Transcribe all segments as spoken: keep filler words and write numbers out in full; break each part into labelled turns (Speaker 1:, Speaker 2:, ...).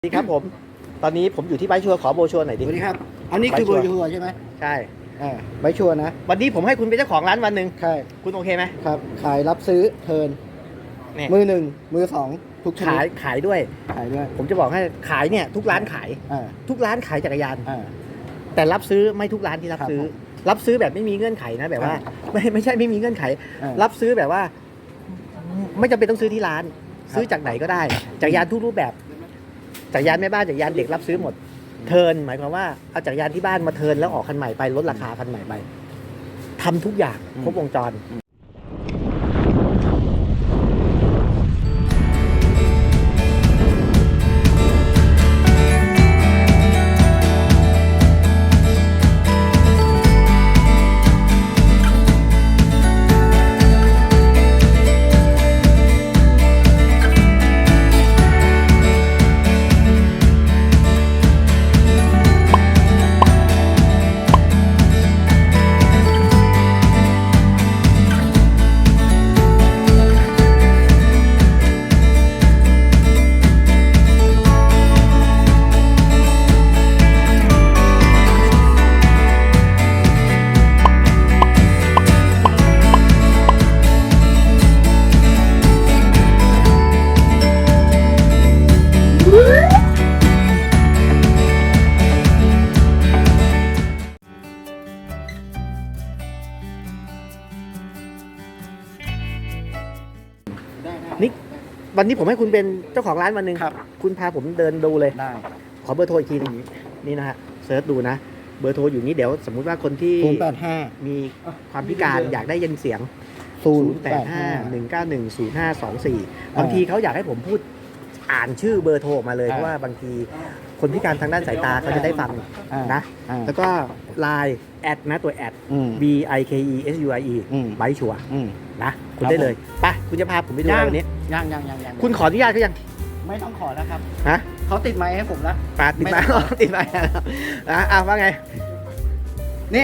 Speaker 1: สวัสดีครับผมตอนนี้ผมอยู่ที่ไบค์ชัวร์ขอโบชัวร์หน่อยดิ
Speaker 2: สวัสดีครับ อันนี้คือ
Speaker 1: ไบ
Speaker 2: เบ
Speaker 1: ค์
Speaker 2: อ
Speaker 1: ชัวร์
Speaker 2: ร์ชัวร์ใช่ไหม
Speaker 1: ใช่
Speaker 2: อ่าใบชัวร์นะ
Speaker 1: วันนี้ผมให้คุณเป็นเจ้าของร้านวันหนึ่ง
Speaker 2: ใช่
Speaker 1: คุณโอเคไหม
Speaker 2: ครับ ขายรับซื้อเทิร์น
Speaker 1: เนี่ย
Speaker 2: มือหนึ่งมือสองทุกชนิ
Speaker 1: ขาย
Speaker 2: ด
Speaker 1: ขายด้วย
Speaker 2: ขายด้วย
Speaker 1: ผมจะบอกให้ขายเนี่ยทุกร้านขาย
Speaker 2: อ่า
Speaker 1: ทุกร้านขายจักรยาน
Speaker 2: อ่า
Speaker 1: แต่รับซื้อไม่ทุกร้านที่รับ
Speaker 2: ครับ
Speaker 1: ซื้อ
Speaker 2: ผม
Speaker 1: รับซื้อแบบไม่มีเงื่อนไขนะแบบว่า ไม่ไม่ใช่ไม่มีเงื่อนไข
Speaker 2: อ่า
Speaker 1: รับซื้อแบบว่า ไม่จำเป็นต้องซื้อที่ร้าน
Speaker 2: ครับ
Speaker 1: ซื้อจากไหนก็ได้จักรยานทุกรูปแบบจักรยานแม่บ้านจักรยานเด็กรับซื้อหมด เทิร์นหมายความว่าเอาจักรยานที่บ้านมาเทิร์นแล้วออกคันใหม่ไปลดราคาคันใหม่ไปทำทุกอย่างครบวงจร
Speaker 2: ได้ได้
Speaker 1: นี่ วันนี้ผมให้คุณเป็นเจ้าของร้านวันหนึ่ง
Speaker 2: ครับ
Speaker 1: คุณพาผมเดินดูเลย
Speaker 2: ได้
Speaker 1: ขอเบอร์โทรอีกทีหนึงนี่นะฮะเซิร์ชดูนะ เบอร์โทรอยู่นี้เดี๋ยวสมมุติว่าคนที่
Speaker 2: ศูนย์แปดห้า
Speaker 1: มีความพิการอยากได้ยินเสียง
Speaker 2: ศูน
Speaker 1: ศู
Speaker 2: ย์
Speaker 1: นย์
Speaker 2: แป
Speaker 1: แป
Speaker 2: ด
Speaker 1: ด
Speaker 2: ห้า
Speaker 1: ห้า หนึ่งเก้าหนึ่ง ศูนย์ห้าสองสี่
Speaker 2: อ่า
Speaker 1: บางทีเขาอยากให้ผมพูดอ่านชื่อเบอร์โทรออกมาเลย
Speaker 2: อ่า
Speaker 1: เพราะว่าบางทีคนพิการทางด้านสายตาเขาจะได้ฟัง
Speaker 2: อ่า
Speaker 1: นะ
Speaker 2: อ่า
Speaker 1: แล้วก็ไลน์แอดนะตัวแอด
Speaker 2: อืม
Speaker 1: B I K E S U I E
Speaker 2: อืม
Speaker 1: ไบชัวร์
Speaker 2: อืม
Speaker 1: นะคุณ
Speaker 2: ครับ
Speaker 1: ได้เลยไปคุณจะพาผมไปดูอะไรวันนี้
Speaker 2: ยังยังยังยัง
Speaker 1: คุณขออนุญาตเขายัง
Speaker 2: ไม่ต้องขอแล้วครับ
Speaker 1: ฮะ
Speaker 2: เขาติดไมค์ให้ผมแล้ว
Speaker 1: ปาดติด
Speaker 2: ไม่
Speaker 1: มา
Speaker 2: ต้อง
Speaker 1: ติดมาแล้วอ่ะอ่ะว่าไง
Speaker 2: นี่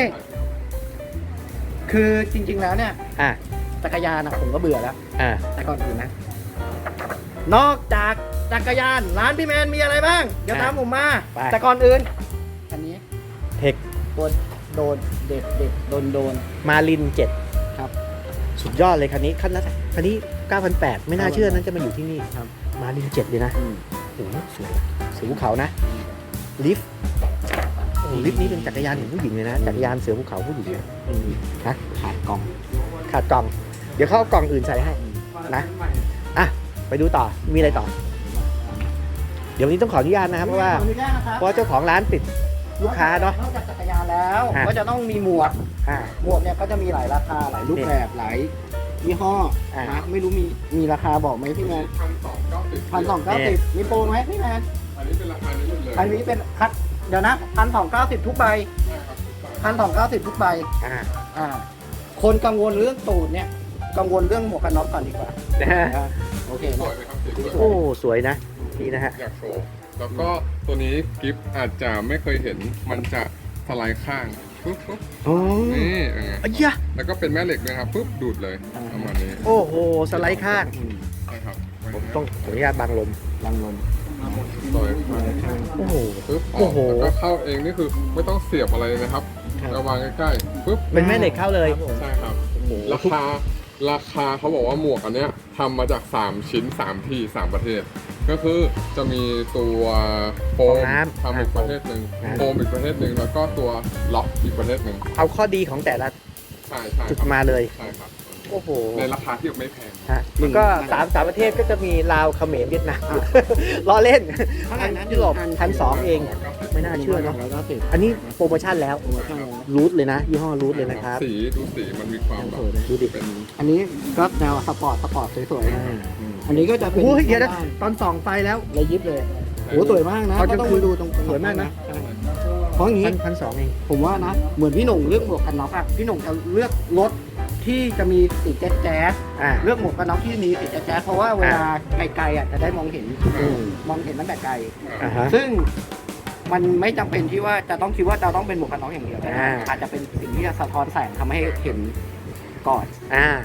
Speaker 2: คือจริง ๆ แล้วเนี่ย
Speaker 1: อ่ะ
Speaker 2: จักรยานอะผมก็เบื่อแล้ว
Speaker 1: อ่ะ
Speaker 2: แต่ก่อนอื่นนะ นอกจากจักรยานร้านพี่แมนมีอะไรบ้าง เดี๋ยวตามผมมา แต่ก่อนอื่น อันนี้
Speaker 1: เทค
Speaker 2: ตัวโดนเด็ดเด็ดโดนโดน
Speaker 1: มาลินเจ็ด
Speaker 2: ครับ
Speaker 1: สุดยอดเลยคันนี้คันละคันนี้เก้าพันแปดไม่น่าเชื่อนั้นจะมาอยู่ที่นี่
Speaker 2: ครับ
Speaker 1: มาลินเจ็ดเลยนะ
Speaker 2: อืม
Speaker 1: โอ้โหสวยเสือภูเขานะลิฟต์โอ้โหลิฟต์นี้เป็นจักรยานของผู้หญิงเลยนะจักรยานเสือภูเขาผู้หญิงนะ
Speaker 2: อืม
Speaker 1: ฮะ
Speaker 2: ขาดกล่อง
Speaker 1: ขาดกล่อง เดี๋ยวเขาเอากล่องอื่นใส่ให้นะอ่ะไปดูต่อมีอะไรต่อ เดี๋ยววันนี้ต้องขออนุญาตนะครับเพราะว่า
Speaker 2: ขออนุญาตนะครับ
Speaker 1: เพราะว่าเจ้าของร้านติดลูกค้าเนาะ
Speaker 2: นอกจากจักรยานแล้ว
Speaker 1: อ่ะ
Speaker 2: ก็จะต้องมีหมวก
Speaker 1: อ่า
Speaker 2: หมวกเนี่ยก็จะมีหลายราคาหลายรูปแบบหลายยี่ห้อ
Speaker 1: อ่ะ
Speaker 2: นะไม่รู้มีมีราคาบอกไหมพี่แมน
Speaker 3: พันสองเก้าสิบ
Speaker 2: พันสองเก้าสิบมีโปรไหมพี่แมน
Speaker 3: อันนี้เป็นราคานี้หมดเลย
Speaker 2: อันนี้เป็นคัดเดี๋ยวนะพันสองเก้าสิบทุกใบ
Speaker 3: ใช่ครับทุกบาท
Speaker 2: พันสองเก้าสิบทุกใบ
Speaker 1: อ่า
Speaker 2: อ่า คนกังวลเรื่องตูดเนี่ย กังวลเรื่องหมวกกันน็อกก่อนดีกว่าอ่าโอเค
Speaker 3: ส
Speaker 2: นะ
Speaker 3: วยไหมครับสีสวย
Speaker 1: โอ้สวยนะนี่นะฮะ
Speaker 3: อยากโชว์แล้วก็ตัวนี้กิฟต์อาจจะไม่เคยเห็นมันจะสไลด์ข้างปุ๊บปุ๊บ
Speaker 1: โอ้
Speaker 3: นี่เป็นไง
Speaker 1: อ้ยะ
Speaker 3: แล้วก็เป็นแม่เหล็กด้วยครับปุ๊บดูดเลยประมาณนี้
Speaker 1: โอ้โหสไลด์ข้าง
Speaker 2: อืม
Speaker 3: ใช่ครับ
Speaker 1: ผมต้องขออนุญาตบังลม
Speaker 2: ลังลม
Speaker 3: สวยข้าง
Speaker 1: โอ้โห
Speaker 3: ปุ๊บอ
Speaker 1: โอ้
Speaker 3: อก
Speaker 1: โห
Speaker 3: แล้วก็เข้าเองนี่คือไม่ต้องเสียบอะไรเลยนะครับ
Speaker 1: ครับ
Speaker 3: เอาวางใกล้ๆปุ๊บ
Speaker 1: เป็นแม่เหล็กเข้าเลย
Speaker 3: ใช่ครับ
Speaker 1: โอ้โห
Speaker 3: ราคาราคาเขาบอกว่าหมวกอันเนี้ยทำมาจาก สาม ชิ้น สาม ที่ สาม ประเทศ ก็คือจะมีตัวโฟมทำอีกประเทศหนึ่งโฟมอีกประเทศหนึ่งแล้วก็ตัวล็อกอีกประเทศหนึ่ง
Speaker 1: เอาข้อดีของแต่ละ
Speaker 3: ใช่ใช่
Speaker 1: จุด
Speaker 3: ครับ
Speaker 1: มาเลย
Speaker 3: ใช่ครับ
Speaker 1: โอ้โห
Speaker 3: ในราคาที่ไม่แพง
Speaker 1: ฮะแล้วก็สามสามประเทศก็จะมีลาวเขมรเวียดนาม ล้อเล่น
Speaker 2: เท่าไหร่นะ
Speaker 1: ยุโรปพันสองเอง ไม่น่าเชื่อเนาะ
Speaker 2: แล้วก็สิบ
Speaker 1: อันนี้โปรโมชั่นแล้ว
Speaker 2: โปรโมชั่นแล้ว
Speaker 1: รูทเลยนะ ยี่ห้อรูทเลยนะครับ
Speaker 3: สีดูสีมันมีความแบบ
Speaker 1: ดูดิ
Speaker 3: เป็น
Speaker 2: อันนี้ก็แนวสปอร์ตสปอร์ตสวยๆนะอันนี้ก็จะเป็น
Speaker 1: โอ้ยเดี๋ยวนะตอนส่องไฟแล้ว
Speaker 2: ระยิบเลยโอ้สวยมากนะ
Speaker 1: เขาจะ
Speaker 2: ก็ต้อง
Speaker 1: คือ
Speaker 2: มาดูตรง
Speaker 1: สวยมากนะ
Speaker 2: ใช่เพราะอย่างนี้
Speaker 1: พันพันสองเอง
Speaker 2: ผมว่านะ เหมือนพี่หนุ่งเลือกหมวกกันน็อกอะพี่หนุ่งจะเลือกรถที่จะมีสีแจ๊ดแจ๊ด
Speaker 1: อ่า
Speaker 2: เลือกหมวกกันน็อกที่มีสีแจ๊ดแจ๊ดเพราะว่าเวลาไกลๆอะจะได้มองเห็น
Speaker 1: อืม
Speaker 2: มองเห็นตั้งแต่ไกล
Speaker 1: อ่าฮะ
Speaker 2: ซึ่งมันไม่จำเป็นที่ว่าจะต้องคิดว่าจะต้องเป็นหมวกกันน็อกอย่างเดียวแต่
Speaker 1: อ่า
Speaker 2: อาจจะเป็นสิ่งที่จะสะท้อนแสงทำให้เห็นก่อน
Speaker 1: อ่า
Speaker 2: นะ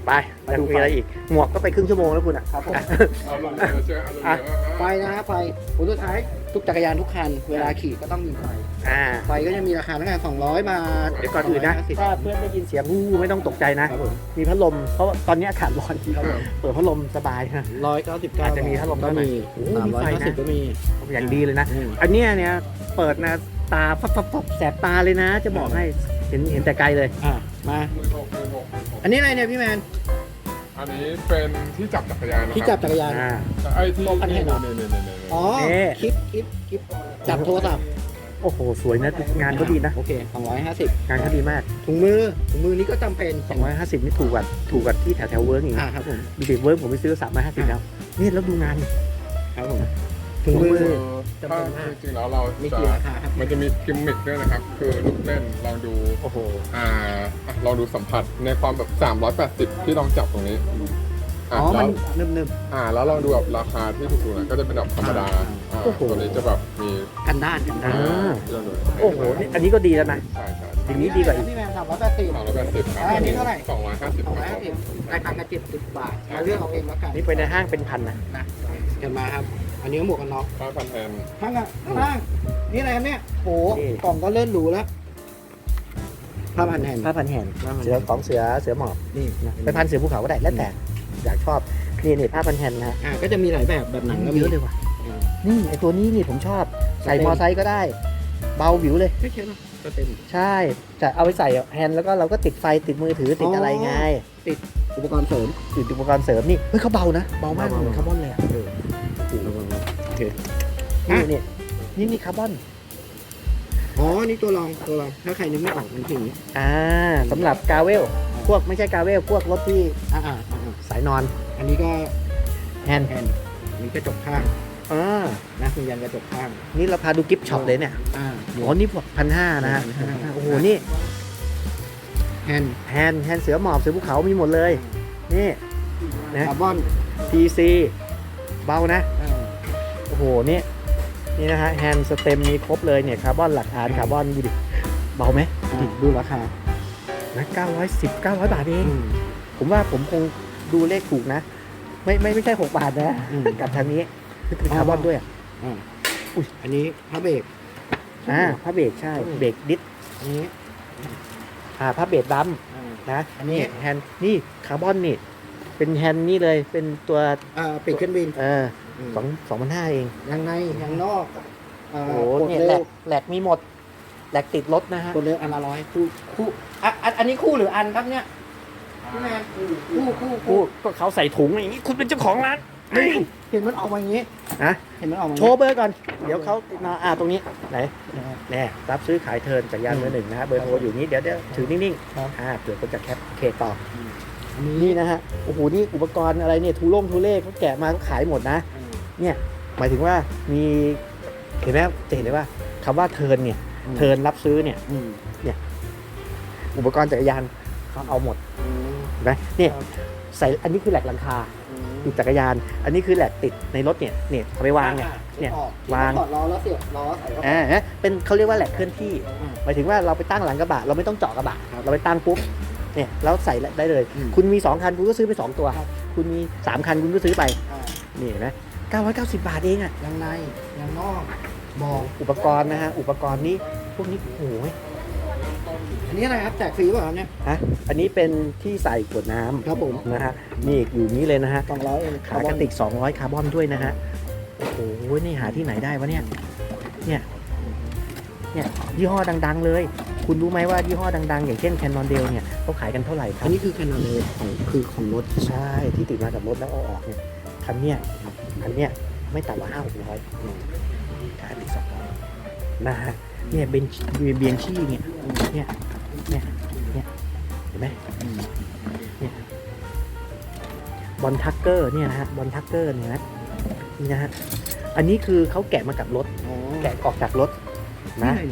Speaker 1: ไปยังมีอะไรอีกหมวกก็ไปครึ่งชั่วโมงแล้วคุณอ่ะ
Speaker 2: ครับผม
Speaker 3: เอาลงเลยเชื่อเอาลงเลย
Speaker 2: ไฟนะฮะไฟผลสุดท้ายทุกจักรยานทุกคันเวลาขี่ก็ต้องมีไฟ
Speaker 1: อ่า
Speaker 2: ไฟก็จะมีราคาตั้งแต่สองร้อยบาท
Speaker 1: เดี๋ยวก่อนอื่นนะ
Speaker 2: สงร้ยห้าสิบ
Speaker 1: ถ้าเพื่อนได้ยินเสียงวู้ไม่ต้องตกใจนะ
Speaker 2: ครับผม
Speaker 1: มีพัดลมเพราะว่าตอนนี้อากาศร้อน
Speaker 2: ครับผม
Speaker 1: เปิดพัดลมสบายนะ
Speaker 2: ร้อยเก้าสิบเก้า
Speaker 1: อาจจะมีพัดลม
Speaker 2: ก็
Speaker 1: ข้างใน
Speaker 2: มี
Speaker 1: โอ้โห
Speaker 2: สาม
Speaker 1: มี
Speaker 2: ร้อย
Speaker 1: ไฟ
Speaker 2: ห้า
Speaker 1: นะ
Speaker 2: สิบก็มี
Speaker 1: อย่างดีเลยนะ
Speaker 2: อืม
Speaker 1: อันเนี้ยเนี่ยเปิดนะตาฟับฟับฟับแสบตาเลยนะ จะบอกให้เห็นเห็นแต่ไกลเลย
Speaker 2: อ่ะมา
Speaker 3: หมื่นหกหมื่นหกหมื่นหก
Speaker 2: อันนี้อะไรเนี่ยพี่แมน
Speaker 3: อันนี้เป็นที่จับจักรยานนะครับ
Speaker 2: ที่จับจักรยาน
Speaker 1: อ่า
Speaker 3: ไอ้ที่
Speaker 2: โต๊ะอันนี้
Speaker 3: นี่
Speaker 2: เหรอ
Speaker 3: นี่นี่นี่นี่
Speaker 2: อ๋อ
Speaker 1: นี่
Speaker 2: คลิปคลิปคลิปจับโทรศัพท์
Speaker 1: โอ้โห สวยนะ งานเขาดีนะ
Speaker 2: โอเคสองร้อยห้าสิบ
Speaker 1: งานเขาดีมาก
Speaker 2: ถุงมือถุงมือนี้ก็จำเป็น
Speaker 1: สองร้อยห้าสิบนี่ถูกกว่าถูกกว่าที่แถวแถวเวิร์กอีก
Speaker 2: อ่าครับผม
Speaker 1: ดูดิเวิร์กผมไปซื้อสามร้อยห้าสิบแล้วนี่แล้วดูงาน
Speaker 2: ครับผมถุงมือ จำเป็
Speaker 3: ถ้าน
Speaker 2: มาก
Speaker 3: จริงๆแล้วเรา
Speaker 2: มี
Speaker 3: จะ
Speaker 2: กี่ราคาครับ
Speaker 3: มันจะมีกิมมิคด้วยนะครับ คือลูกเล่นลองดู
Speaker 1: โอ้โห
Speaker 3: อ่าอ่ะลองดูสัมผัสในความแบบสามร้อยแปดสิบที่ลองจับตรงนี้
Speaker 2: อ๋
Speaker 3: อ่ะ
Speaker 2: อ
Speaker 3: แล้
Speaker 2: มัน
Speaker 3: ว
Speaker 2: นึบ
Speaker 3: อ่าแล้วลองดูแบบราคาที่ถูกๆหนะก็จะเป็นแบบธรรมดา
Speaker 2: อ่า
Speaker 3: อ่า
Speaker 1: โอ้โห
Speaker 3: ตัวนี้จะแบบมี
Speaker 2: ๆกันด้านกันด้าน
Speaker 1: อ่า
Speaker 3: ที่เราดู
Speaker 1: โอ้โหนี่อันนี้ก็ดีแล้วนะ
Speaker 3: ใช่ใช่
Speaker 1: อย่างนี้ดีกว่าอีก
Speaker 2: พี่แมนสามร้อยแปดสิบ
Speaker 3: สามร้อยแปดสิบครับ
Speaker 2: อ่าอันนี้เท่าไหร่
Speaker 3: สองร้อยห้าสิบ
Speaker 2: สอง
Speaker 3: ค
Speaker 2: ร้อย
Speaker 3: รับ
Speaker 2: ห้าสิบรายการกันเจ็ดสิบบาทมาเลือกเอาเองแล้วกัน
Speaker 1: นี่ไปในห้างเป็นพันนะ
Speaker 2: นะเห็นมาครับ อันนี้ก็หมวกกันน็อก
Speaker 3: ห้าพันแทน
Speaker 2: ข้างอ่ะข้างนี่อะไรครับเนี่ยโอ้กล่องก็เลื่อนหรูแล้วผ้าพันแผ่น
Speaker 1: ผ้าพันแห่น
Speaker 2: ผ้าพัน
Speaker 1: เสือของเสือเสือหมอบ
Speaker 2: นี่
Speaker 1: นะไปพันเสือภูเขาก็ได้แล้วแต่อยากชอบนี่นี่ผ้าพันแห่นนะฮะ
Speaker 2: อ่าก็จะมีหลายแบบแบบหนังก็มี
Speaker 1: เยอะเลยว่ะ
Speaker 2: อืม
Speaker 1: นี่ไอตัวนี้นี่ผมชอบใส่มอไซค์ก็ได้ เบาวิวเลย
Speaker 2: ไม่ใช่หรอกก็เต็ม
Speaker 1: ใช่จะเอาไปใส่แฮนด์แล้วก็เราก็ติดไฟติดมือถือติด
Speaker 2: อ๋ออ
Speaker 1: อะไรไง
Speaker 2: อุปกรณ์เสริม
Speaker 1: ติดอุปกรณ์เสริมนี่เฮ้ยเขาเบานะเบามาก
Speaker 2: เบาๆ
Speaker 1: เหมือนคาร์บอนเลยอะ
Speaker 2: เออโอเค
Speaker 1: นี่
Speaker 2: อ่ะ
Speaker 1: นี่นี่นี่คาร์บอน
Speaker 2: อ๋อนี่ตัวรองตัวรองถ้าใครนึกไม่ออกมันคืออย่างนี้
Speaker 1: อ่าสำหรับกาเวลพวกไม่ใช่กาเวลพวกรถที่
Speaker 2: อ่าอ่าอ่าอ่า
Speaker 1: สายนอน
Speaker 2: อันนี้ก็
Speaker 1: แฮนด์
Speaker 2: แฮนด์มีกระจกข้าง
Speaker 1: อ่า
Speaker 2: นะคุณยันกระจกข้าง
Speaker 1: นี่เราพาดูกิฟต์ช็อปเลยเนี่ย
Speaker 2: อ่า
Speaker 1: อ๋อนี่พวกพันห้านะฮะ
Speaker 2: พันห้า
Speaker 1: โอ้โหนี่
Speaker 2: แฮนด์
Speaker 1: แฮนด์แฮนด์เสือหมอบเสือภูเขามีหมดเลยนี่นะ
Speaker 2: คาร์บอน
Speaker 1: พี ซี เบานะ
Speaker 2: อ่า
Speaker 1: โอ้โห นี่ นี่นะฮะ แฮนด์สเต็มมีครบเลยเนี่ย คาร์บอนหลักฐานคาร์บอนดูดิ เบาไหม
Speaker 2: อ่าดูราคา
Speaker 1: นะเก้าร้อยสิบ เก้าร้อยบาทเอง
Speaker 2: อืม
Speaker 1: ผมว่าผมคงดูเลขถูกนะ ไม่ไม่ไม่ใช่หกบาทนะ
Speaker 2: อืม
Speaker 1: กับทางนี้คือคาร์บอนด้วยอ่ะ
Speaker 2: อ่าอุ้ยอันนี้พระเบรก
Speaker 1: อ่าผ้าเบรกใช่
Speaker 2: อืม
Speaker 1: เบรกดิส
Speaker 2: อันนี้
Speaker 1: อ่าผ้าเบรกดัม
Speaker 2: อ่า
Speaker 1: นะ
Speaker 2: อันนี้
Speaker 1: แฮนด์นี่คาร์บอนนี่ เป็นแฮนด์นี่เลย เป็นตัว
Speaker 2: อ่าปีกเครื่องบิน
Speaker 1: เออ
Speaker 2: ม
Speaker 1: สองสองพันห้าเอง
Speaker 2: ยางในยางนอกอ่า
Speaker 1: โอ้โห
Speaker 2: กด
Speaker 1: เนี่ย
Speaker 2: เร็
Speaker 1: แหล
Speaker 2: ว
Speaker 1: กแหลกมีหมด แหลกติดรถนะฮะ
Speaker 2: กดเร็วอันละร้อยคู่คู่อ่ะอันอันนี้คู่หรืออันครับเนี่ยพี่แมนคู่คู่
Speaker 1: กู
Speaker 2: คู่
Speaker 1: ก็เขาใส่ถุงอย่างนี้ คุณเป็นเจ้าของร้าน
Speaker 2: เห็นมันออกมาอย่างนี้
Speaker 1: ฮะ
Speaker 2: เห็นมันออกมา
Speaker 1: โชว์เบอร์ก่อน เดี๋ยวเขามาอ่าตรงนี้ ไหน
Speaker 2: นะครับ
Speaker 1: แน่รับซื้อขายเทิร์นจากยานมือหนึ่งนะฮะ เบอร์โทรอยู่นี้ เดี๋ยวเดี๋ยวถือนิ่ง
Speaker 2: ครับ
Speaker 1: ๆ อ่าเผื่อคนจะแคปโอเคต่อ
Speaker 2: อันนี้
Speaker 1: นี่นะฮะ โอ้โห นี่อุปกรณ์อะไรเนี่ย ทูล่งทูเล่เขาแกะมาเขาขายหมดนะ เนี่ย หมายถึงว่ามี เห็นไหมจะเห็นได้ว่าคำว่าเทิร์นเนี่ย เทิร์นรับซื้อเนี่ย
Speaker 2: อืม
Speaker 1: อุปกรณ์จักรยานเขาเอาหมด
Speaker 2: อืม
Speaker 1: เห็นไหมเนี่ย
Speaker 2: ครับ
Speaker 1: ใส่ อันนี้คือแหลกหลังคา
Speaker 2: อืม
Speaker 1: ติดจักรยาน อันนี้คือแหลกติดในรถเนี่ย เนี่ยเอาไปวางเนี่ย
Speaker 2: อ่ะ
Speaker 1: เนี่ย
Speaker 2: ออก
Speaker 1: วาง
Speaker 2: ถอดล้อแล้วเสียบล้อใส่เข้าไป
Speaker 1: อ่าฮะเป็นเขาเรียกว่าแหลกเคลื่อนที่
Speaker 2: อืม
Speaker 1: หมายถึงว่าเราไปตั้งหลังกระบะเราไม่ต้องเจาะกระบะ
Speaker 2: ครับ
Speaker 1: เราไปตั้งปุ๊บเนี่ยแล้วใส่ได้เลย
Speaker 2: อืม
Speaker 1: คุณมีสองคันคุณก็ซื้อไปสองตัว
Speaker 2: ครับ
Speaker 1: คุณมีสามคันคุณก็ซื้อไป
Speaker 2: อ่า
Speaker 1: นี่เห็นไหมเก้าร้อยเก้าสิบบาทเองอ่ะ
Speaker 2: ยางในยางนอกบอก
Speaker 1: อุปกรณ์นะฮะอุปกรณ์นี้พวกนี้โอ้โห
Speaker 2: อันนี้อะไรครับแจกฟรีเปล่าครับเนี่ย
Speaker 1: ฮะอันนี้เป็นที่ใส่ขวดน้ำ
Speaker 2: ครับผม
Speaker 1: นะฮะนี่อยู่นี้เลยนะฮะ
Speaker 2: สองร้อยเอง
Speaker 1: ขากระติกสองร้อยคาร์บอนด้วยนะฮะโอ้โหนี่หาที่ไหนได้วะเนี่ยเนี่ยเนี่ยยี่ห้อดังๆเลย คุณรู้ไหมว่ายี่ห้อดังๆ อย่างเช่นแคนนอนเดลเนี่ยเขาขายกันเท่าไหร่ครั
Speaker 2: อั
Speaker 1: บ
Speaker 2: นนี้คือคันนั้นเลยของคือของรถ
Speaker 1: ใช่ที่ติดมากับรถแล้วเอาออกเนี่ยคันเนี้ยคันเนี้ยไม่ต่ำกว่าห้าหกร้อยขายติดสองร้อยนะฮะเนี่ยเบนเบียนชี่เนี่ยเนี่ยเนี่ยเนี่ยเห็นไหมเนี่ยบอลทักเกอร์เนี่ยนะฮะบอลทักเกอร์เนี่ยนะนี่นะฮะอันนี้คือเขาแกะมากับรถ
Speaker 2: อ๋อ
Speaker 1: แกะออกจากรถ
Speaker 2: นะ
Speaker 1: นะ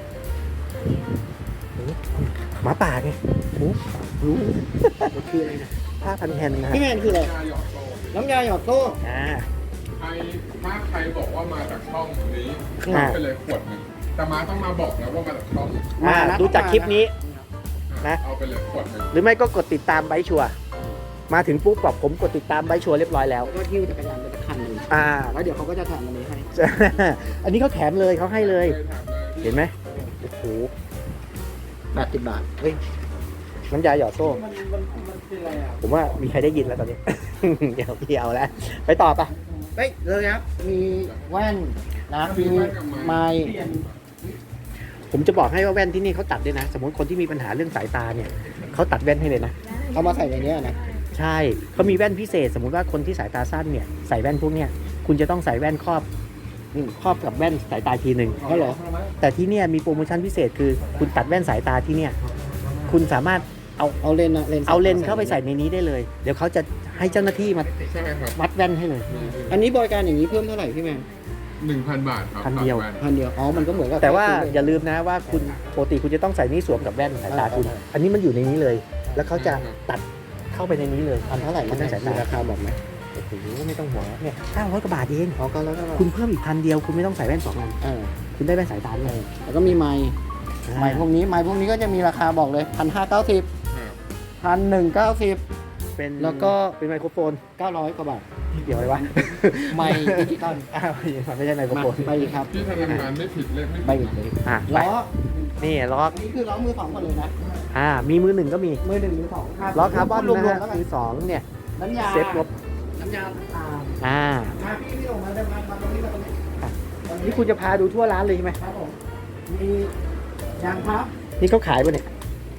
Speaker 1: หมาป่าไงโอ้
Speaker 2: รู้มันคืออะไรนะ
Speaker 1: ผ้าพันแฮนนะฮะ
Speaker 2: พี่แมนคืออะไร
Speaker 3: ยาหยอดโซ่
Speaker 2: น้ำยาหยอดโซ่
Speaker 1: อ่า
Speaker 3: ใครถ้าใครบอกว่ามาจากช่องนี้
Speaker 1: อ่า
Speaker 3: รับไปเลยขวดหนึ่งแต่มาต้องมาบอกนะว่ามาจากช่อง
Speaker 1: อ่า
Speaker 2: มานะ
Speaker 1: ดูจากคลิปนี้ นะ
Speaker 3: เอาไปเลยขวดหนึ่ง
Speaker 1: หรือไม่ก็กดติดตามไบค์ชัวร์มาถึงปุ๊บบอกผมกดติดตามไบค์ชัวร์เรียบร้อยแล้ว
Speaker 2: ก็หิ้วจักรยานไปสักคันหนึ่ง
Speaker 1: อ่า
Speaker 2: แล้วเดี๋ยวเขาก็จะแถมอันนี้ให้
Speaker 1: อันนี้เขาแถมเลยเขาให้เลย
Speaker 3: เคยถามเลย
Speaker 1: เห็นไหมโอ้โห
Speaker 2: แปดสิบบาท
Speaker 1: เฮ้ยน้ำยาหยอดโซ่
Speaker 2: มันมันมันเป็นอะไรอ่ะ
Speaker 1: ผมว่ามีใครได้ยินแล้วตอนนี้ เดี๋ยวพี่เอาแล้วไปต่อปะ
Speaker 2: เฮ้ยเลยครับ มีแว่นนะมีไม้
Speaker 1: ผมจะบอกให้ว่าแว่นที่นี่เขาตัดด้วยนะ สมมติคนที่มีปัญหาเรื่องสายตาเนี่ยเขาตัดแว่นให้เลยนะ
Speaker 2: เอามาใส่ในเนี้ยนะ
Speaker 1: ใช่เขามีแว่นพิเศษ สมมุติว่าคนที่สายตาสั้นเนี่ยใส่แว่นพวกเนี้ยคุณจะต้องใส่แว่นครอบอืมครอบกับแว่นสายตาทีหนึ่ง
Speaker 2: เขาเหรอ
Speaker 1: แต่ที่เนี่ยมีโปรโมชั่นพิเศษคือคุณตัดแว่นสายตาที่เนี่ยคุณสามารถเอา
Speaker 2: เอาเลนส์นะเลนส์
Speaker 1: เอาเลนส์เข้าไปใส่ในนี้ได้เลย เดี๋ยวเขาจะให้เจ้าหน้าที่มา
Speaker 3: ใช่ครับ
Speaker 1: วัดแว่นให้เลย
Speaker 2: อันนี้บริการอย่างนี้เพิ่มเท่าไหร่พี่แมน
Speaker 3: หนึ่งพันบาทครับ
Speaker 1: พันเดียว
Speaker 3: ตัแน
Speaker 2: พันเดียว อ๋อ มันก็เหมือนกับ
Speaker 1: แต่ว่า
Speaker 2: ซื้เลนส์
Speaker 1: อย่าลืมนะว่าคุณปกติคุณจะต้องใส่นี่สวมกับแว่นสายตาคุณ อันนี้มันอยู่ในนี้เลย แล้วเขาจะตัดเข้าไปในนี้เลย
Speaker 2: พันเท่าไหร่
Speaker 1: มันต้องสายตา
Speaker 2: ราคาบอกไหม
Speaker 1: โอ้โหไม่ต้องหัวงเนี่ยห้าร้อยกว่าบาทเอง
Speaker 2: อ๋อก็แล้วก็
Speaker 1: คุณเพิ่มอีกพันเดียวคุณไม่ต้องใส่แว่นสองอัน
Speaker 2: เออ
Speaker 1: คุณได้แว่นสายตาด้วย
Speaker 2: แล้วก็มีไม้ไม้พวกนี้ไม้พวกนี้ก็จะมีราคาบอกเลยพันห้าเก้าสิบ
Speaker 3: ครับ
Speaker 2: พันหนึ่งเก้าสิบ
Speaker 1: เป็น
Speaker 2: แล้วก็
Speaker 1: เป็นไมโครโฟน
Speaker 2: เก้าร้อยกว่าบาท
Speaker 1: เดี๋ยวอะไรวะ
Speaker 2: ไม้ดิจิตอล
Speaker 1: อ้าวมันไม่ใช่ไมโคร
Speaker 2: มา
Speaker 1: โฟน
Speaker 2: ไปอีกครับ
Speaker 3: ที่ธนาคารไม่ผิดเลขไม่
Speaker 2: ไป
Speaker 3: ผิด
Speaker 2: อีก
Speaker 3: นะ
Speaker 2: เลย
Speaker 1: อ่ะไป
Speaker 2: ล้อ
Speaker 1: นี่ล้อ
Speaker 2: อันนี้คือล้อมือสองหมดเลยนะ
Speaker 1: อ่ามีมือหนึ่งก็มี
Speaker 2: มือหนึ่งมือสอง
Speaker 1: ล้อคาร์บอน
Speaker 2: รว
Speaker 1: นะ
Speaker 2: ม
Speaker 1: ฮะ
Speaker 2: ๆแล้วกัน
Speaker 1: มือสองเนี่ย
Speaker 2: น้ำยา
Speaker 1: เซฟลบ
Speaker 2: น้ำยาต่าง
Speaker 1: อ่า
Speaker 2: ๆมาพี่พี่ออกมาได้มามาตรงนี้มาตรงนี้ตรงนี้
Speaker 1: นี่คุณจะพาดูทั่วร้านเลยใช่ไหม
Speaker 2: ครับผมมียางพับ
Speaker 1: นี่เขาขายป่ะเนี่ย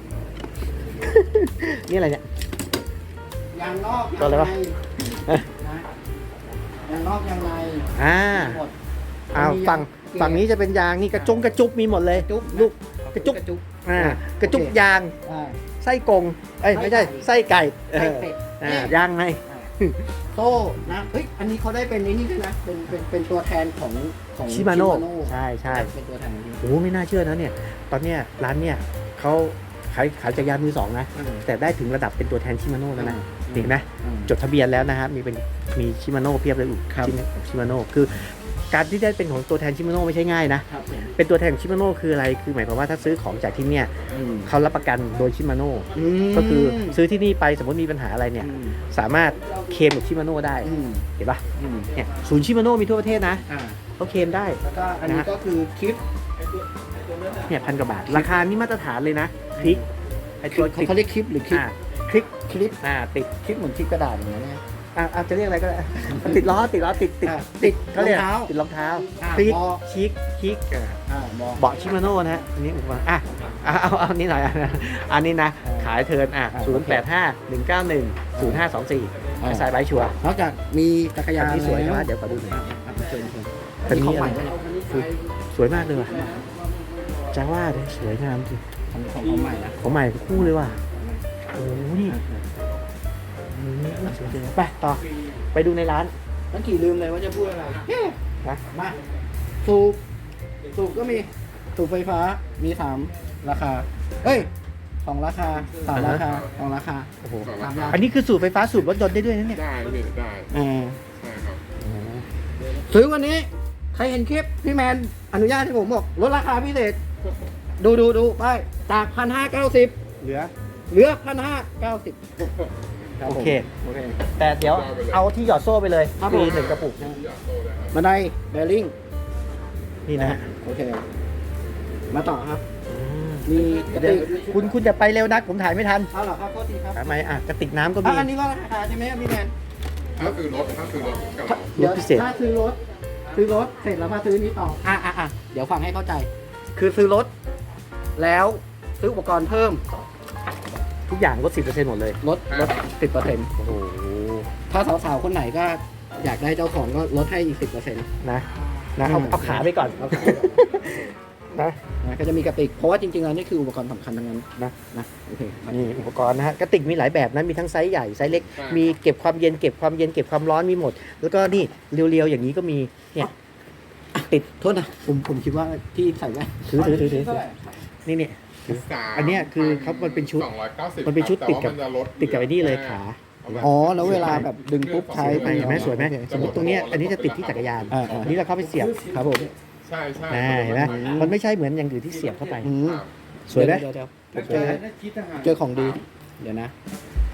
Speaker 1: นี่อะไรเนี่ย
Speaker 2: ยางนอก
Speaker 1: ตัวอะไรวะ
Speaker 2: ยางใน
Speaker 1: เอ้ย
Speaker 2: นะยางนอกยางใน
Speaker 1: อ่า
Speaker 2: หมด
Speaker 1: อ้าวฝั่งฝั่งนี้จะเป็นยางนี่กระจงกระจุกมีหมดเลย
Speaker 2: จุ๊บ
Speaker 1: ลูก กระจุก
Speaker 2: กระจุก
Speaker 1: อ่ากระจุกยาง
Speaker 2: อ่า
Speaker 1: ไส้กงเอ้ยไม่ใช่ไส้ไก่เอ
Speaker 2: ไส้
Speaker 1: อ
Speaker 2: เป็ด
Speaker 1: อ่า
Speaker 2: นี่
Speaker 1: ยางไง
Speaker 2: โต้นะเฮ้ยอันนี้เขาได้เป็นนี่นี่ด้วยนะเป็นเป็นเป็นตัวแทนของของ
Speaker 1: ชิมาโน่
Speaker 2: Shimano
Speaker 1: ใช่ใช่
Speaker 2: เป็นตัวแทนของที่
Speaker 1: โอ้ไม่น่าเชื่อนะเนี่ย ตอนเนี้ยร้านเนี่ยเขาขายขายจักรยานมือสองนะ แต่ได้ถึงระดับเป็นตัวแทนชิมาโน่แล้วนะเห็นไหม
Speaker 2: อืม
Speaker 1: จดทะเบียนแล้วนะครับมีเป็นมีชิมาโน่เพียบเลยอุ
Speaker 2: ครับ
Speaker 1: ชิมาโน่คือการที่ได้เป็นของตัวแทนชิมาโน่ไม่ใช่ง่ายนะครับ
Speaker 2: ผม
Speaker 1: เป็นตัวแทนของชิมาโน่คืออะไรคือหมายความว่าถ้าซื้อของจากที่เนี่ย
Speaker 2: อืม
Speaker 1: เขารับประกันโดยชิมาโน่
Speaker 2: ม
Speaker 1: ก็คือซื้อที่นี่ไปสมมติมีปัญหาอะไรเนี่ย
Speaker 2: อืม
Speaker 1: สามารถเคลมกับชิมาโน่ได้
Speaker 2: อืม
Speaker 1: เห็นปะ
Speaker 2: อืม
Speaker 1: เนี่ยศูนย์ชิมาโน่มีทั่วประเทศนะ
Speaker 2: อ่า
Speaker 1: เขาเคลมได้
Speaker 2: แล้วก็อันนี้
Speaker 1: นะ
Speaker 2: ก็คือคลิป
Speaker 1: เนี่ยพันกว่าบาท ราคานี่มาตรฐานเลยนะคลิกไอตัวคลิก
Speaker 2: เขาเรียกคลิปหรือคลิป
Speaker 1: อ่าคลิก
Speaker 2: คลิป
Speaker 1: อ่าติด
Speaker 2: คลิปเหมือนคลิปกระดาษอย่างเงี้ยนะ
Speaker 1: อ่าอาจจะเรียกอะไรก็ได้ ติดล้อติดล้อติดติด
Speaker 2: อ่า
Speaker 1: ติดเขาเรียก
Speaker 2: รองเท้า
Speaker 1: ติดรองเท้า
Speaker 2: อ่า
Speaker 1: คลิก
Speaker 2: บอ
Speaker 1: ชิกชิกอ่า
Speaker 2: อ่าบอก
Speaker 1: เบาะชิมาโน่นะฮะอันนี้อุปกรณ์อ่ะเอาเอาเอาอันนี้หน่อย อันนี้นะ
Speaker 2: อ่า
Speaker 1: ขายเทิร์นอ่ะ
Speaker 2: อ่า
Speaker 1: ศูนย์แปดห้าหนึ่งเก้าหนึ่งศูนย์ห้าสองสี่
Speaker 2: อ่า
Speaker 1: สายไบค์ชัวร์
Speaker 2: นอกจากมีจักรยา
Speaker 1: อั
Speaker 2: น
Speaker 1: นนี้สวย
Speaker 2: แล้
Speaker 1: นะเดี๋ยวขอดูหน่อย
Speaker 2: อ่ะอ่ะเชิญเชิญ
Speaker 1: อันนี้
Speaker 2: ของใหม่
Speaker 1: อะไร
Speaker 2: ด้วยเหรอ
Speaker 1: คือสวยมากเลยว่ะจะว่าเลยสวยงามจริง
Speaker 2: ของของของใหม่นะ
Speaker 1: ของใหม่คู่เลยว่ะโอ้โหนี่อืมสวยจริงไปต่อไปดูในร้าน
Speaker 2: เมื่อกี้ลืมเลยว่าจะพูดอะไร
Speaker 1: นะ
Speaker 2: มาสูบสูบก็มีสูบไฟฟ้ามีสามราคาเอ้ยสองราคาสามราคาสองราคา
Speaker 1: โอ้โห
Speaker 3: สอง
Speaker 2: สา
Speaker 3: รา
Speaker 2: ม
Speaker 3: คา
Speaker 2: ราคา
Speaker 1: อันนี้คือสูบไฟฟ้าสูบรถยนต์ได้ด้วยนะเนี่ย
Speaker 3: ได้พี่ได้
Speaker 2: อ่า
Speaker 3: ใช่ครับ
Speaker 2: ซื้อวันนี้ใครเห็นคลิปพี่แมนอนุญาตให้ผมบอกลดราคาพิเศษ ดูดูดูไปจากพันห้าเก้าสิบ
Speaker 1: เหลือ
Speaker 2: เหลือพันห้าเก้าสิบ
Speaker 1: โอเค
Speaker 2: โอเค
Speaker 1: แต่เดี๋ยวเอาที่หยอดโซ่ไปเลย
Speaker 2: ครับ
Speaker 1: ฟรี
Speaker 2: ผม
Speaker 1: หนึ่งกระปุกนะ
Speaker 3: อยากโตเลยครับ
Speaker 2: บันไดเบลลิง
Speaker 1: นี่นะฮะ
Speaker 2: โอเค มาต่อครับ
Speaker 1: อืม
Speaker 2: มีกระ
Speaker 1: เดี๋ยว
Speaker 2: ติก
Speaker 1: คุณคุณจะไปเร็วนักผมถ่ายไม่ทัน
Speaker 2: เอาเหรอครับโทษทีครับ
Speaker 1: ทำไมอ่ะกระติกน้ำก็มี
Speaker 2: อ่ะอันนี้ก็ราคาใช่ไหมครับพี่แมน
Speaker 3: ถ้าคือรถถ้าคือรถกับเรา
Speaker 2: เดี๋ยว
Speaker 1: พิเศษ
Speaker 2: ถ้าซื้อรถ ซื้อรถเสร็จแล้วมาซื้อนี้ต่อ อ่ะอ่ะอ่ะเดี๋ยวฟังให้เข้าใจ คือซื้อรถ แล้วซื้ออุปกรณ์เพิ่ม
Speaker 1: ทุกอย่างลดสิบเปอร์เซ็นต์หมดเลย
Speaker 2: ลดลดสิบเปอร์เซ็นต์
Speaker 1: โอ้โห
Speaker 2: ถ้าสาวๆ คนไหนก็อยากได้เจ้าของก็ลดให้อีกสิบเปอร์เซ็นต์
Speaker 1: นะนะเอา
Speaker 2: อืม
Speaker 1: เอาขาไปก่อน
Speaker 2: เอาขา
Speaker 1: นะ
Speaker 2: นะก็จะมีกระติก เพราะว่าจริงๆแล้วนี่คืออุปกรณ์สำคัญทั้งนั้นนะนะโอเค
Speaker 1: นี่อุปกรณ์นะฮะกระติกมีหลายแบบนะมีทั้งไซส์ใหญ่ไซส์เล็ก มีเก็บความเย็นเก็บความเย็นเก็บความร้อนมีหมด แล้วก็นี่เรียวๆอย่างนี้ก็มีเนี่ยติด
Speaker 2: โทษนะ ผมผมคิดว่าที่ใส่แว่น
Speaker 1: ถือถือถือถือถือนี่เนี่ย
Speaker 3: สาม
Speaker 1: อันเนี้ยคือเขามันเป็นชุด
Speaker 3: สองร้อยเก้าสิบ
Speaker 1: มันเป็นชุด
Speaker 3: แต่
Speaker 1: ติด
Speaker 3: ว่า
Speaker 1: กับ
Speaker 3: มันจะลด
Speaker 1: ติดกับไอ้นี่เลยขา
Speaker 2: อ๋อ แล้วเวลาแบบดึงปุ๊บใช้
Speaker 1: ไป
Speaker 2: ไป
Speaker 1: เห็นไหมสวยไหมสมมติตรงเนี้ยอันนี้จะติดที่จักรยาน
Speaker 2: อ่าอ่า
Speaker 1: อันนี้เราเข้าไปเสียบ
Speaker 2: ครับผม
Speaker 3: ใช่ใช่
Speaker 1: อ่าเห็นไหมมันไม่ใช่เหมือนอย่างอื่นที่เสียบเข้าไป
Speaker 2: อืม
Speaker 3: ครับ
Speaker 1: สวยไหม
Speaker 2: เดี๋ยวเดี๋ยวเดี๋ยวเจอเจอของดี เดี๋ยวนะ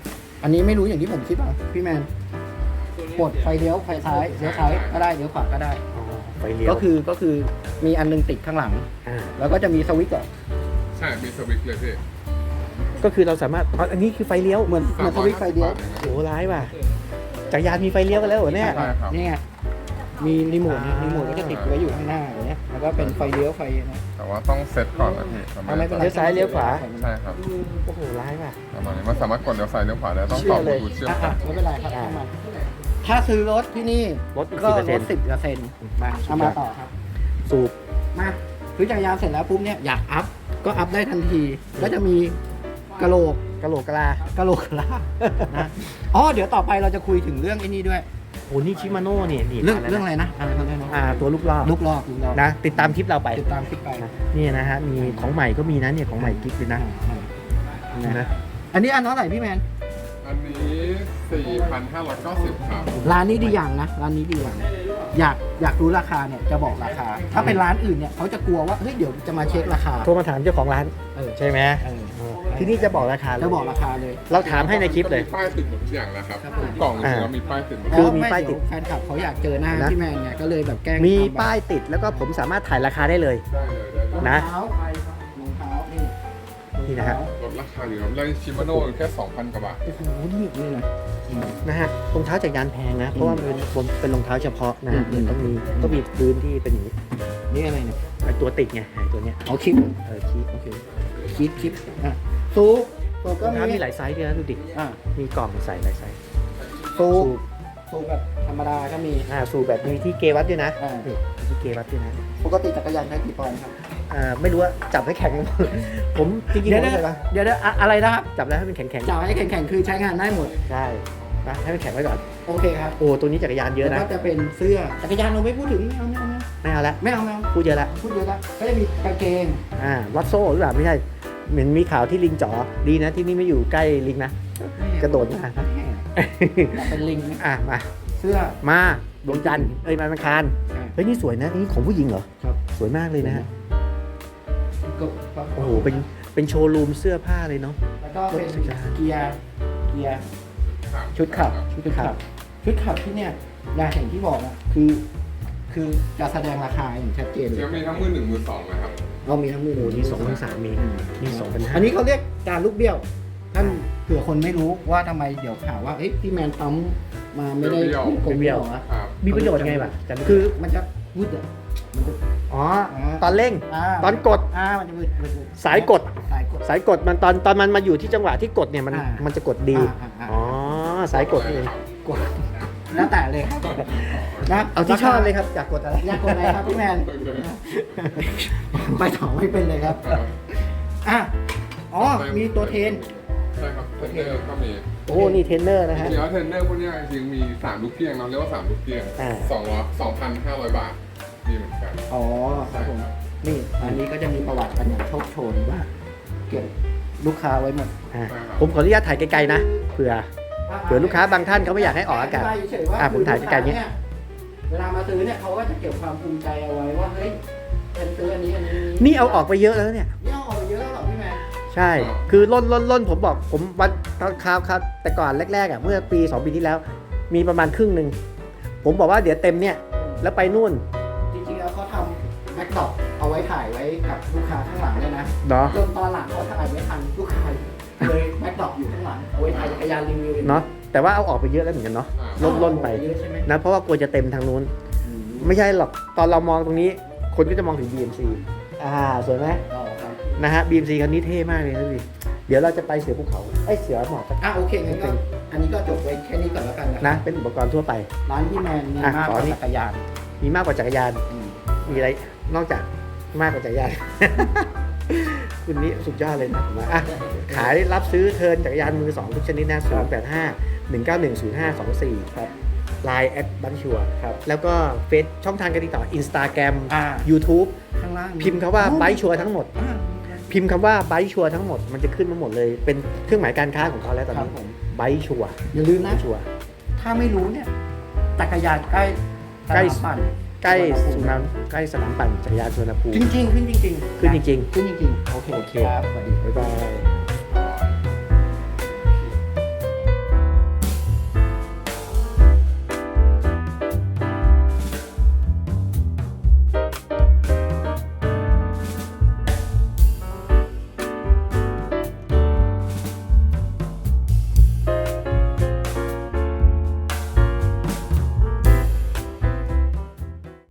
Speaker 2: อันนี้ไม่รู้อย่างที่ผมคิดป่ะพี่แมนกดไฟเลี้ยวไฟซ้ายเลี้ยวซ้ายก็ได้เลี้ยวขวาก็ได้
Speaker 1: อ๋อไฟเลี้ยว
Speaker 2: ก็คือก็คือมีอันนึงติดข้างหลัง
Speaker 1: อ่า
Speaker 2: แล้วก็จะมีสวิตช์อ่ะ
Speaker 3: ใช่มีสวิตช์เลยพี่
Speaker 1: ก็คือเราสามารถอ๋ออันนี้คือไฟเลี้ยว
Speaker 2: เหมือนเหมือนสวิตช์ไฟเลี้ยว
Speaker 1: โหร้ายว่ะจักรยานมีไฟเลี้ยวกันแล้วเหรอเนี่ย
Speaker 3: ใช่ครับ
Speaker 2: นี่ไงมีรีโมทเนี่ย
Speaker 1: อ่า
Speaker 2: รีโมทก็จะติดไว้อยู่ข้างหน้าอย่างเงี้ยแล้วก็เป็นไฟเลี้ยวไฟนะ
Speaker 3: แต่ว่าต้องเซตก่อนนะพี่ประมาณ
Speaker 2: ไม่เป็นไร
Speaker 1: เลี้ยวซ้ายเลี้ยวขวา
Speaker 3: ใช่ครับ
Speaker 1: โอ้โหร้ายว่ะ
Speaker 3: ประมาณนี้มันสามารถกดเลี้ยวซ้ายเลี้ยวขวาได้ต้อง
Speaker 1: เชื่
Speaker 3: ต่อ
Speaker 1: อบ เล
Speaker 3: ลู
Speaker 1: ย
Speaker 3: ทูธเชื่อม
Speaker 2: อ่ะ
Speaker 3: กัน
Speaker 2: ไม่เป็นไรครับ
Speaker 1: อ่า
Speaker 2: เข้ามาถ้าซื้อรถที่นี่
Speaker 1: ลดอีก
Speaker 2: ก็
Speaker 1: สิบเปอร์
Speaker 2: ล
Speaker 1: เซ็น
Speaker 2: ด
Speaker 1: ต์
Speaker 2: สิบเปอร์เซ็นต์มาเอามาต่อครับ
Speaker 1: สูบ
Speaker 2: มาซื้อจักรยานเสร็จแล้วปุ๊บเนี่ยอยากอัพก็อัพได้ทันที ก็จะมีกะโหลก
Speaker 1: กะโหลกกะลาก
Speaker 2: ะโหลกกะลานะอ๋อเดี๋ยวต่อไปเราจะคุยถึงเรื่องไอ้นี่ด้วย
Speaker 1: โอ้นี่ชิมาโน่เนี่ยนี่
Speaker 2: เรื่อง
Speaker 1: มาแล้ว
Speaker 2: เรื่อง
Speaker 1: นะ
Speaker 2: อะไรนะอะไรนะอะไรนะ
Speaker 1: อ่าตัวลูกรอบ
Speaker 2: ลูกลอกลูกลอก
Speaker 1: นะติดตามคลิปเราไป
Speaker 2: ติดตามคลิปไป
Speaker 1: นะนี่นะฮะมีของใหม่ก็มีนะเนี่ยของใหม่กิ๊กเลยนะนะ
Speaker 2: อันนี้อันเท่าไหร่พี่แมน
Speaker 3: อันนี้ สี่พันห้าร้อยเก้าสิบ ครับ
Speaker 2: ร้านนี้ดีอย่างนะร้านนี้ดีอย่างอยากอยากรู้ราคาเนี่ยจะบอกราคา ถ้าเป็นร้านอื่นเนี่ยเขาจะกลัวว่าเฮ้ยเดี๋ยวจะมาเช็คราคา
Speaker 1: โทรมาถามเจ้าของร้าน
Speaker 2: เออ
Speaker 1: ใช่ไหม
Speaker 2: เออ
Speaker 1: เออที่นี่จะบอกราคาเลย
Speaker 2: จะบอกราคาเลย
Speaker 1: เราถามให้ในคลิปเลย
Speaker 3: มีป้ายติดหมดทุกอย่างแล้วครับ
Speaker 2: ครับผม
Speaker 3: กล่องจริงๆแล้วมีป้ายติดหมด
Speaker 1: คือมี
Speaker 2: ไ
Speaker 1: ป้ายติด
Speaker 2: เวแฟนคลับเขาอยากเจอหน้า
Speaker 1: นะ
Speaker 2: พี่แมนเนี่ยก็เลยแบบแกล้ง
Speaker 1: มี
Speaker 2: ทำ
Speaker 1: ป้ายติดแล้วก็ผมสามารถถ่ายราคาได้เลย
Speaker 3: ได้เลยได้เลย
Speaker 1: นะ
Speaker 2: รองเท้ารองเท้านี่
Speaker 1: นี่นะฮะ
Speaker 3: ลดราคาอยู่ครับได้ชิมาโน่แค่ สองพัน กว่าบาท
Speaker 2: โอ้โหนี่นี่นะอืม
Speaker 1: นะฮะรองเท้าจักรยานแพงนะ เพราะว่ามันเป็นเป็นรองเท้าเฉพาะนะ
Speaker 2: อืม
Speaker 1: ต้องมีต้องมีพื้นที่เป็นอย่างนี้
Speaker 2: นี่อะไรเนี่ย
Speaker 1: ไอตัวติดไงไอตัวเนี้ย
Speaker 2: เอาคลิป
Speaker 1: เออคีบ
Speaker 2: โอเคคลิปคลิปอ่ะซูซู
Speaker 1: ร
Speaker 2: ก็
Speaker 1: อง
Speaker 2: มี
Speaker 1: เท้ามีหลายไซส์ด้วยนะดูดิ
Speaker 2: อ่ะ
Speaker 1: มีกล่องใส่หลายไซส์
Speaker 2: ซู
Speaker 1: สูบ
Speaker 2: ซูแบบธรรมดาก็มี
Speaker 1: อ่าสูบแบบมีที่เกวัดด้วยนะ
Speaker 2: อ่า
Speaker 1: นี่มีที่เกวัดด้วยนะ
Speaker 2: ปกติจักรยานใช้กี่ปอนด์ครับ
Speaker 1: อ่าไม่รู้ว่าจับให้แข็ง ผมจริงๆ
Speaker 2: เดี๋ยว
Speaker 1: ผม
Speaker 2: เดี๋ยว
Speaker 1: ไม่เคยนะ
Speaker 2: เดี๋ยวเดี๋ยวอะอะไรนะครับ
Speaker 1: จับแล้วให้มันแข็งแข็ง
Speaker 2: จ่ายให้แข็งๆคือใช้งานได้หมด
Speaker 1: ๆใช่นะให้มันแข็งไว้ก่อน
Speaker 2: โอเคครับ
Speaker 1: โอ้ตัวนี้จักรยานเยอะ
Speaker 2: แล้ว
Speaker 1: นะ
Speaker 2: ก็จะเป็นเสื้อจักรยานเราไม่พูดถึงไม่เอาไม่เอา
Speaker 1: ไม่เอาละ
Speaker 2: ไม่เอาไม่เอา
Speaker 1: พูดเยอะละ
Speaker 2: พูดเยอะแล้วก็จะมีกางเกง
Speaker 1: อ่าวัดโซ่หรือเปล่าไม่ใช่เหมือนมีข่าวที่ลิงจ๋อดีนะที่นี่ไม่อยู่ใกล้ลิงนะ กระโดดมา
Speaker 2: แม่อยากเป็นลิงไหม
Speaker 1: อ่ะมา
Speaker 2: เสื้อ
Speaker 1: มาดวงจันทร์เอ้ยมาอังคารเฮ้ยนี่สวยนะนี่ของผู้หญิงเหรอ
Speaker 2: ครับ
Speaker 1: สวยมากเลยนะฮะ
Speaker 2: ก็ก็
Speaker 1: โอ้โหเป็นเป็นโชว์รูมเสื้อผ้าเลยเนาะ
Speaker 2: แล้วก็เป็น
Speaker 1: รถจักรยาน
Speaker 2: เกียร์เกียร์ชุดขับชุดขับชุดขับที่เนี่ยอย่างที่บอกอะคือ คือจะแสดงราคาอย่างชัดเจนเล
Speaker 3: เชื่อย มีทั้งมือหนึ่งมือสองนะครับ
Speaker 2: เรามีทั้งมือ
Speaker 1: โอ้โหนี่สองพันสามมีนี่สองพันห้า
Speaker 2: อันนี้เขาเรียกการลูกเบี้ยวท่านเผื่อคนไม่รู้ว่าทำไมเดี๋ยวข่าวว่าเอ๊ะพี่แมนปั๊มมาไม่ได้
Speaker 3: เบี้ยว
Speaker 2: กลมเบี้ยวอะ
Speaker 3: ครับ
Speaker 1: มีประโยชน์ยังไงบ้างจัน
Speaker 2: คือมันจะวืดอะมันจะ
Speaker 1: อ๋อตอนเร่ง
Speaker 2: อ่า
Speaker 1: ตอนกด
Speaker 2: อ่ามันจะวืดวืดวืด
Speaker 1: สายกด
Speaker 2: สายกด
Speaker 1: สายกดมันตอนตอนมันมาอยู่ที่จังหวะที่กดเนี่ยมัน
Speaker 2: อ่ามั
Speaker 1: มันจะกดดี
Speaker 2: อ่าอ่า
Speaker 1: อ๋อสายกดนี่เอง
Speaker 2: กดแล้วแต่เลยครับนะ
Speaker 1: เอาที่ชอบเลยครับอยากกดอะไร
Speaker 2: อยากกดอะไรครับพี่แมนไปต่อไม่เป็นเลยครับ
Speaker 3: ครับ
Speaker 2: อ่ะอ๋อมีตัวเทรน
Speaker 3: ใช่ครับเทรนเนอร์ก็มี
Speaker 1: โอ้นี่เทรนเนอร์นะ
Speaker 3: จ
Speaker 1: ฮะ
Speaker 3: ริงๆแล้วเทรนเนอร์พวกเนี้ยจริงๆมีสามลูกเกี้ยงเราเรียกว่าสามลูกเกี้ยง
Speaker 1: อ่า
Speaker 3: สองร้อยสองพันห้าร้อยบาทมีเหมือนกัน
Speaker 2: อ๋อครับผมนี่อันนี้ก็จะมีประวัติกันอย่างโชคโชนว่าเก็บลูกค้าไว้หมด
Speaker 1: อ่าผมขออนุญาตถ่ายไกลๆนะเผื่อ เผื่อลูกค้าบางท่านเขาไม่อยากให้ออกอากาศ
Speaker 2: เฉยๆว่า
Speaker 1: อ่ะผมถ่ายไกลๆเนี่ย
Speaker 2: เวลามาซื้อเนี่ยเขาก็จะเก็บความภูมิใจเอาไว้ว่าเฮ้ยฉันซื้ออันนี้อันนี้
Speaker 1: นี่เอาออกไปเยอะแล้วเนี่ย
Speaker 2: นี่เอาออกไปเยอะแล้วเหรอพี่แมน
Speaker 1: ใช่ คือล่นล่นล่นผมบอกผมวันตอนคราวครับแต่ก่อนแรกๆอ่ะเมื่อปีสองปีที่แล้ว มีประมาณครึ่งหนึ่งผมบอกว่าเดี๋ยวเต็มเนี่ยแล้วไปนู่น
Speaker 2: จริงๆแล้วเขาทำแบ็คดรอปเอาไว้ถ่ายไว้กับลูกค้าข้างหลังเลยนะ
Speaker 1: เนาะ
Speaker 2: จนตอนหลังเขาถ่ายไม่ทันลูกค้าเลยแบ็คดรอปอยู่ข้างหลังเอาไว้ถ่ายจักรยานรีวิว
Speaker 1: เนาะแต่ว่าเอาออกไปเยอะแล้วเหมือนกันเนาะล่นล่นไป
Speaker 2: เยอะใช่ไหม
Speaker 1: นะเพราะว่ากลัวจะเต็มทางนู้น ไม่ใช่หรอกตอนเรามองตรงนี้ คนก็จะมองถึง บี เอ็ม ซี อ่าสวยไหม
Speaker 2: อ๋อครับ
Speaker 1: นะฮะ บี เอ็ม ซี คันนี้เท่มากเลยนะพี่เดี๋ยวเราจะไปเสือภูเขาไอยเสือหมอกกัน
Speaker 2: อ่ะโอเคงั้นก็อันนี้ก็จบไว้แค่นี้ก่อนแล้วกันนะ
Speaker 1: นะเป็นอุปกรณ์ทั่วไป
Speaker 2: ร้านพี่แมนมี
Speaker 1: อ่ะ
Speaker 2: มาก
Speaker 1: ข
Speaker 2: ก
Speaker 1: อ
Speaker 2: ว่า
Speaker 1: นี่
Speaker 2: จักรยาน
Speaker 1: มีมากกว่าจักรยาน
Speaker 2: อืม
Speaker 1: มีอะไรนอกจากมากกว่าจักรยาน คุณนี้สุดยอดเลยนะผมว่าอ่ะขายรับซื้อเทิร์นจักรยานมือสองทุกชนิดนะศูนย์แปดห้าหนึ่งเก้าหนึ่งศูนย์ห้าสองสี่ครับไลน์แอดบันชัวครับแล้วก็เฟซช่องทางการติดต่อ Instagram
Speaker 2: อ่า
Speaker 1: YouTube
Speaker 2: ข้างล่าง
Speaker 1: พิมพ์คำว่าไบชัวทั้งหมด
Speaker 2: อ่า
Speaker 1: พิมพ์คำว่าไบชัวทั้งหมดมันจะขึ้นมาหมดเลยเป็นเครื่องหมายการค้าของเขาแล้วตอน
Speaker 2: ครับ
Speaker 1: นี้
Speaker 2: ผม
Speaker 1: ไบชัว
Speaker 2: อย่าลืม
Speaker 1: ไบ
Speaker 2: นะ
Speaker 1: ชัว
Speaker 2: ถ้าไม่รู้เนี่ยจักรยานใกล้
Speaker 1: ใกล้
Speaker 2: สนามปั่น
Speaker 1: ใกล้สุนามใกล้สนามปั่นจักรยานสุวรรณภูมิ
Speaker 2: จริงๆขึ้นจริงๆ
Speaker 1: ขึ้นจริง
Speaker 2: ขึ้นจริงๆโอเค
Speaker 1: โอเค
Speaker 2: ครับสวัสดี
Speaker 1: ๆบ๊ายบาย